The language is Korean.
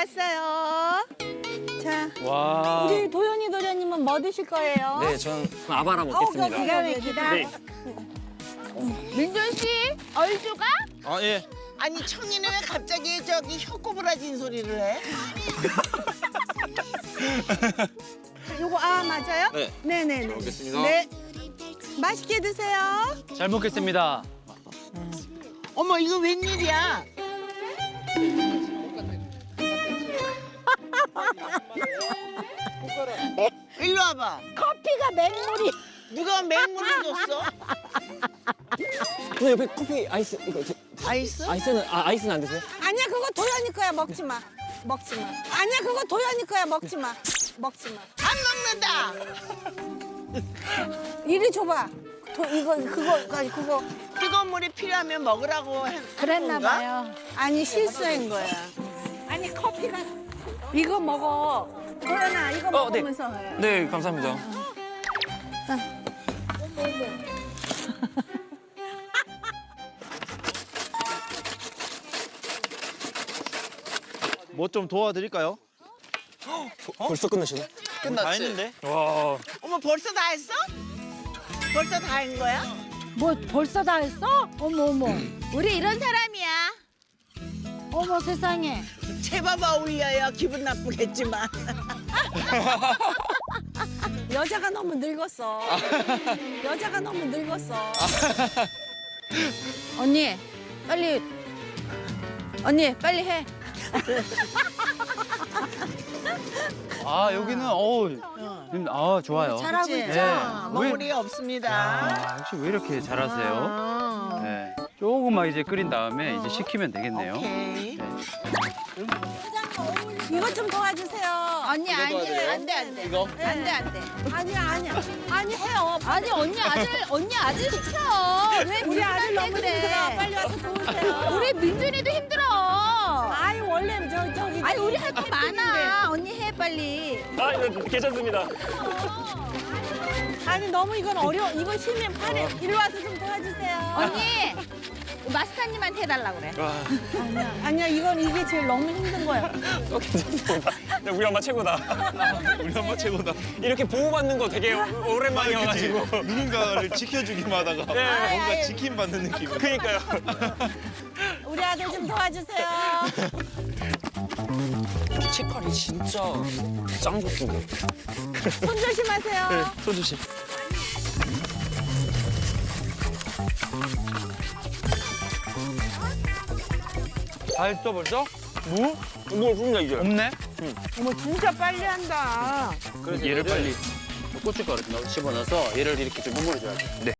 나왔어요. 자, 와. 우리 도현이 도련님은 뭐 드실 거예요? 네, 전 아바라 먹겠습니다. 기가 막히다. 네. 민준 씨, 얼주가? 아, 예. 아니 청이는 왜 갑자기 저기 혀꼬부라진 소리를 해? 요거 맞아요? 네. 네네네. 먹겠습니다. 네. 맛있게 드세요. 잘 먹겠습니다. 어머 이거 웬일이야? 일로 와봐. 커피가 맹물이. 누가 맹물을 줬어? 근데 옆에 커피 아이스 이거 아이스? 아이스는 안 드세요? 아니야 그거 도현이 거야 먹지 마. 먹지 마. 아니야 그거 도현이 거야 먹지 마. 먹지 마. 안 먹는다. 이리 줘봐. 그거 뜨거운 물이 필요하면 먹으라고 그랬나 건가? 봐요. 아니 실수한 거야. 아니 커피가 이거 먹어. 도현아 이거 네. 먹으면서 해. 네, 감사합니다. 뭐 좀 도와드릴까요? 벌써 끝나시네? 다 했는데? 와. 어머 벌써 다 했어? 벌써 다 한 거야? 뭐 벌써 다 했어? 어머 어머. 우리 이런 사람이야. 어머 세상에. 제법 어울려요. 기분 나쁘겠지만. 여자가 너무 늙었어. 여자가 너무 늙었어. 언니 빨리 해. 아, 여기는 좋아요. 잘하고 그치? 있죠. 네. 머무리 없습니다. 아, 역시 왜 이렇게 잘하세요? 네. 조금만 이제 끓인 다음에 이제 식히면 되겠네요. 오케이. 이것 좀 도와주세요. 언니 아니 안돼. 이거? 안돼. 아니야. 아니 해요. 아니 언니 아들 시켜. 왜 우리 아들 민준한테 너무 그래? 힘들어. 빨리 와서 도우세요. 우리 민준이도 힘들어. 아이 원래 저기. 아니 우리 할 거 많아. 언니 해 빨리. 아, 이거 괜찮습니다. 아니 너무 이건 어려워. 이건 쉬면 팔에. 이리 와서 좀 도와주세요. 언니 마스터님한테 해달라고 그래. 아니야 이게 제일 너무 힘든 거야. 괜찮습니다. 네, 우리 엄마 최고다. 우리 엄마 최고다. 이렇게 보호받는 거 되게 오랜만이어가지고. 누군가를 지켜주기만 하다가 네. 뭔가 지킴받는 느낌. 그러니까요. 우리 아들 좀 도와주세요. 색깔이 진짜 짱 좋던데. 손 조심하세요. 소주씨. 다 했어 벌써? 무? 뭘 굽냐 이제? 없네? 어머 진짜 빨리 한다. 그래서 얘를 빨리 고춧가루 좀 집어넣어서 얘를 이렇게 좀 버무려줘야 돼. 네.